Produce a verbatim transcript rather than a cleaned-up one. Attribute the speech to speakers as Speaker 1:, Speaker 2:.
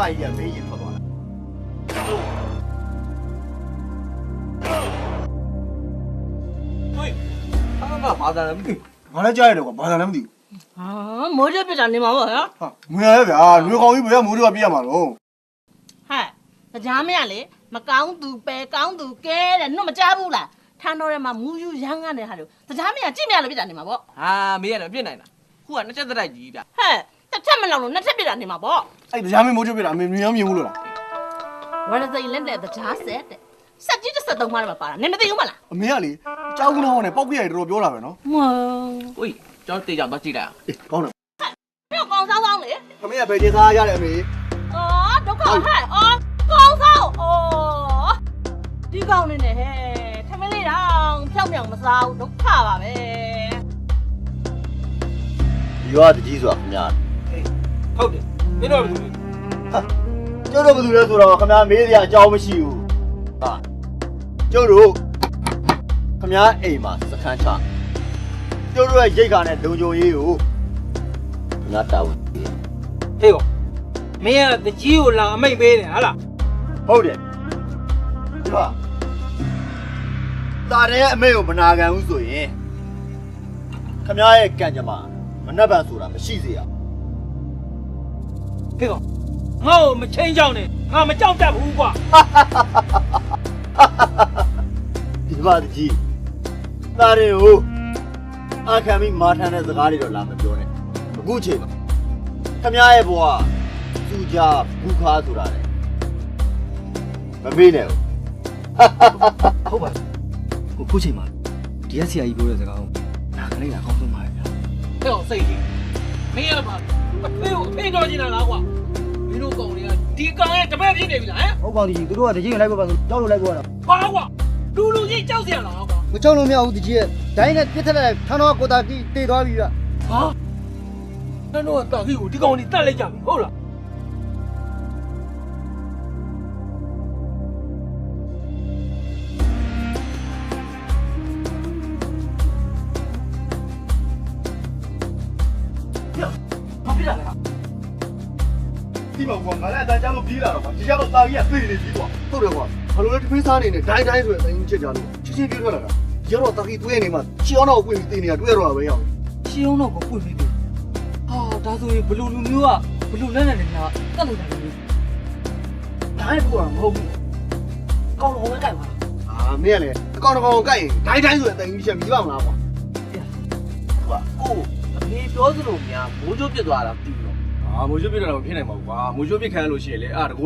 Speaker 1: ကကြီးကမေးရင်ထွက်သွားတာဟိုဘာသာလဲမသိငါလည်းကြားရတယ်ကွာဘာသာလည်းမသိ
Speaker 2: ဟာမိုးရပြတာနေမှာပေါ့ဟဲ့
Speaker 1: ဟာငွေရဗျာငွေကောင်ကြီးဘယ်ကမိုးတွေကပြရမှာတော့
Speaker 2: ဟဲ့ကြားမရလေမကောင်းသူပဲကောင်းသူကဲတဲ့နှုတ်မကြားဘူးလားထန်းတော်ထဲမှာမူယူရမ်းကနေဟာလို့ကြားမရကြည့်မရလို့ပြတာနေမှာပေါ့
Speaker 3: ဟာမေးရတယ်ပြစ်နိုင်လားခုကနှစ်ချက်တိုက်ကြီးဗျ
Speaker 2: ဟဲ့တစ်ချက်မလောက်လို့နှစ်ချက်ပြတာနေမှာပေါ့
Speaker 1: အဲ့တရားမင်းမိုးချုပ်ပြတာအမေမြင်ရောမြင်ဘူးလို့လား
Speaker 2: ဝရစိတ်လက်တဲ့ကြားဆက်တဲ့စက်ကြီးတစ်စက်သုံးပါးမှာပါတာနင်မသိဘူးမလား
Speaker 1: အမေကလေကြောက်ကူနောင်းနဲ့ပောက်ပြရတယ်တော်တော်ပြောတာပဲနော်
Speaker 2: ဟွန်း
Speaker 3: ဝေးကျွန်တော်တေးကြတော့ကြည့်လိုက်အောင်
Speaker 1: အေးကောင်းတယ်
Speaker 2: ဟဲ့ကောင်ဆောင်ဆောင်လေ
Speaker 1: ခမရဘယ်ချင်းစားရတယ်အမေ
Speaker 2: အော်ဒုက္ခဟဲ့အော်ကောင်ဆောင်အော်ဒီကောင်နေနဲ့ဟဲ့ထမင်းလေးတောင်ဖြောက်မြောင်မစားဘူးဒုက္ခပါပဲ
Speaker 1: ဒီရွာတကြီးဆိုတာခမရ
Speaker 3: ဟုတ်တယ်မင်းတို့ကဘယ်လိုလဲ
Speaker 1: ဟာကျုပ်တို့ဘယ်သူလဲဆိုတော့ခမရမေးစရာအကြောင်းမရှိဘူးဟာကျုပ်တို့ခမရအိမ်မှာစခန်းချကျုပ်တို့ရဲ့ရိတ်ခါနဲ့လုံခြုံရေးကိုခမရတာဝန်ပေးတယ်
Speaker 3: ဟေးကောမင်းကတကြီးကိုလာအမိတ်ပေးတယ်ဟာလား
Speaker 1: ဟုတ်တယ်ဒီပါတာတဲ့အမေကိုမနာခံဘူးဆိုရင်ခမရရဲ့ကံကြမ္မာမနှက်ပံဆိုတာမရှိစေရ
Speaker 3: ဟေးကောငါ့ကိုမချင်းကြောက်နဲ့ငါမကြောက်တတ်ဘူးကွာ
Speaker 1: ဒီပါတကြီးတာတွေကိုအခမ်းပြီးမာထမ်းတဲ့စကားတွေတော့လာမပြောနဲ့အခုချိန်မှာခမရရဲ့ဘဝသူကြဘူးခါဆိုတာလေမမေ့နဲ့
Speaker 4: ဟုတ်ပါဘူးခုချိန်မှာဒီရက်ဆရာကြီးပြောတဲ့စကားကိုနားကလေးကအကောင်းဆုံးပါပဲဗျာ
Speaker 3: ဟဲ့ကောင်စိတ်ကြီးမင်းရပါအဖေကိုအဖေတော်ချင်တာလားကွာမင်းတို့ကောင်တွေကဒီကောင်ရဲ့တပည့်ဖြစ်နေပြီလားဟမ်
Speaker 4: ဟုတ်ပါဘူးကြီးတို့ကတကြီးကိုလိုက်ပါပါဆိုကြောက်လို့လိုက်ပါတော့
Speaker 3: ဘာကွာလူလူကြီးကြောက်เสียလားကွာ
Speaker 4: မကြောက်လို့မရဘူးတကြီးရဲ့ဒိုင်းနဲ့ပြစ်ထက်လိုက်ထန်းတော့ကိုတာကြီးတေသွားပြီဗျ
Speaker 3: ဟာနင်တို့ကတာကြီးကိုဒီကောင်ကြီးတတ်လိုက်ကြပြီဟုတ်လား
Speaker 1: ဒီမှာကွာငါလည်းအတန်းချလို့ပြေးလာတော့ကွာဒီကျတော့တာကြီးကသိနေပြီကွာဟုတ်တယ်ကွာဘာလို့လဲတဖေးစားနေနဲ့ဒိုင်းဒိုင်းဆိုတဲ့အရင်ချက်ကြလို့ချင်းချင်းပြေးထွက်လာတာဒီကတော့တာကြီးတွေးနေမှာချီအောင်တော့ကိုပြေးသိနေတာတွေ့ရတော့ပဲရောက်
Speaker 3: ရှင်းအောင်တော့ကိုပွင့်ပြီးပြီဟာဒါဆိုရင်ဘလူလူမျိုးကဘလူလက်နဲ့နေတာတတ်လို့တယ်လို့ဒါလည်းကိုကမဟုတ်ဘူးကောင်းတော့ဝဲကြိုက်ပါ
Speaker 1: အာမင်းကလည်းအကောင်တကောင်ကိုကြိုက်ရင်ဒိုင်းဒိုင်းဆိုတဲ့အရင်ချက်မြည်ပါမလားကွာ
Speaker 3: ကွာကိုအဖေပြောသလိုများမိုးချိုးပြစ်သွားတာမသိဘူး
Speaker 1: အာမိုးချိုးပြစ်တော့မဖြစ်နိုင်ပါဘူးကွာမိုးချိုးပြစ်ခံရလို့ရှိရင်လေအာ